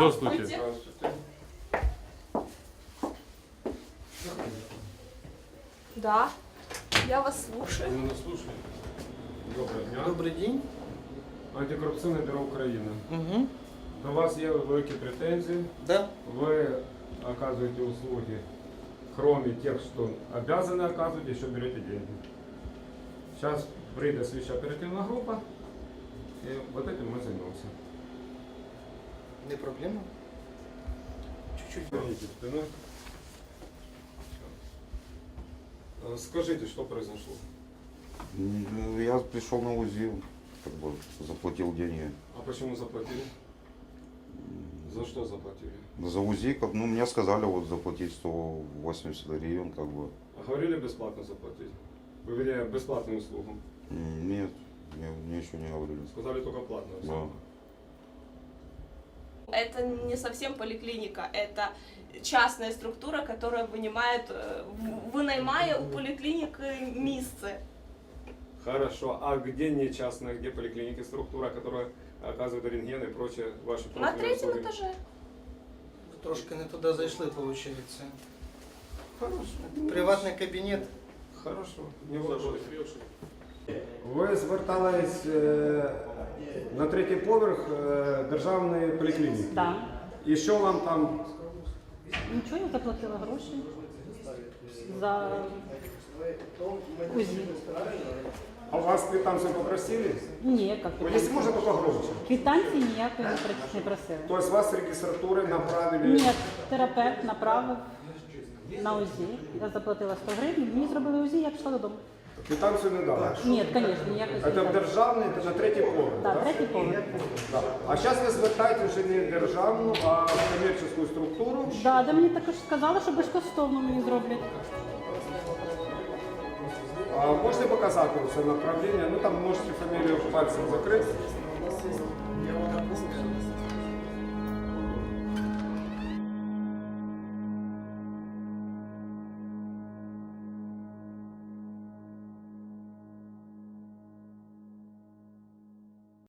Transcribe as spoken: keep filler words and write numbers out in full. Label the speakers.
Speaker 1: Здравствуйте.
Speaker 2: Здравствуйте.
Speaker 3: Да, я вас слушаю.
Speaker 2: Вы нас слушаете? Доброго дня.
Speaker 4: Добрий день.
Speaker 2: Антикорупційне бюро України.
Speaker 4: Угу.
Speaker 2: До вас є великі претензії.
Speaker 4: Да.
Speaker 2: Вы оказываете услуги, кроме тех, что обязаны оказывать, еще берете деньги. Сейчас прийде слідча оперативна група, и вот этим мы займемся.
Speaker 4: Не проблема. Чуть-чуть.
Speaker 2: Поверните спиной. Э, Скажите, что произошло?
Speaker 5: Ну, я пришел на УЗИ, как бы заплатил деньги.
Speaker 2: А почему заплатили? За что заплатили?
Speaker 5: За УЗИ, как, ну, мне сказали вот заплатить сто восемьдесят гривен, как бы.
Speaker 2: А говорили бесплатно заплатить? Вы вернее бесплатную услугу?
Speaker 5: М, Нет, мне, мне еще не говорили.
Speaker 2: Сказали только платную услугу.
Speaker 3: Это не совсем поликлиника, это частная структура, которая вынимает, э, в- вынаймая у поликлиники место.
Speaker 2: Хорошо. А где не частная, где поликлиники, структура, которая оказывает рентген и прочие ваши
Speaker 3: На
Speaker 2: профильные
Speaker 3: третьем
Speaker 2: услуги?
Speaker 3: этаже.
Speaker 4: Трошки не туди зайшли, виходить.
Speaker 2: Хорошо.
Speaker 4: Приватний кабінет.
Speaker 2: Хорошо. Не вопрос. Ви звертались е, на третій поверх е, державної поліклініки.
Speaker 6: Так.
Speaker 2: І що вам там?
Speaker 6: Нічого, я заплатила гроші за УЗИ.
Speaker 2: А у вас квитанцию попросили?
Speaker 6: Ні, як
Speaker 2: Ну, если
Speaker 6: квитанції.
Speaker 2: можно, только громче.
Speaker 6: Квитанції ніякої не про- не просили.
Speaker 2: То есть вас с регистратуры направили?
Speaker 6: Ні, терапевт направив на УЗИ. Я заплатила сто гривень, мені зробили УЗИ, я пішла додому.
Speaker 2: Квитанцию не дали?
Speaker 6: Ні, звісно, ніякої
Speaker 2: Это
Speaker 6: квитанції.
Speaker 2: державний, це на третій поверх,
Speaker 6: Так,
Speaker 2: да?
Speaker 6: третій поверх.
Speaker 2: Да. А зараз ви звертаєтесь вже не в державну, а в комерційну структуру.
Speaker 6: Да, де мені також сказали, що безкоштовно мені зроблять.
Speaker 2: А можете показати це направлення? Ну там можете фамілію пальцем закрити.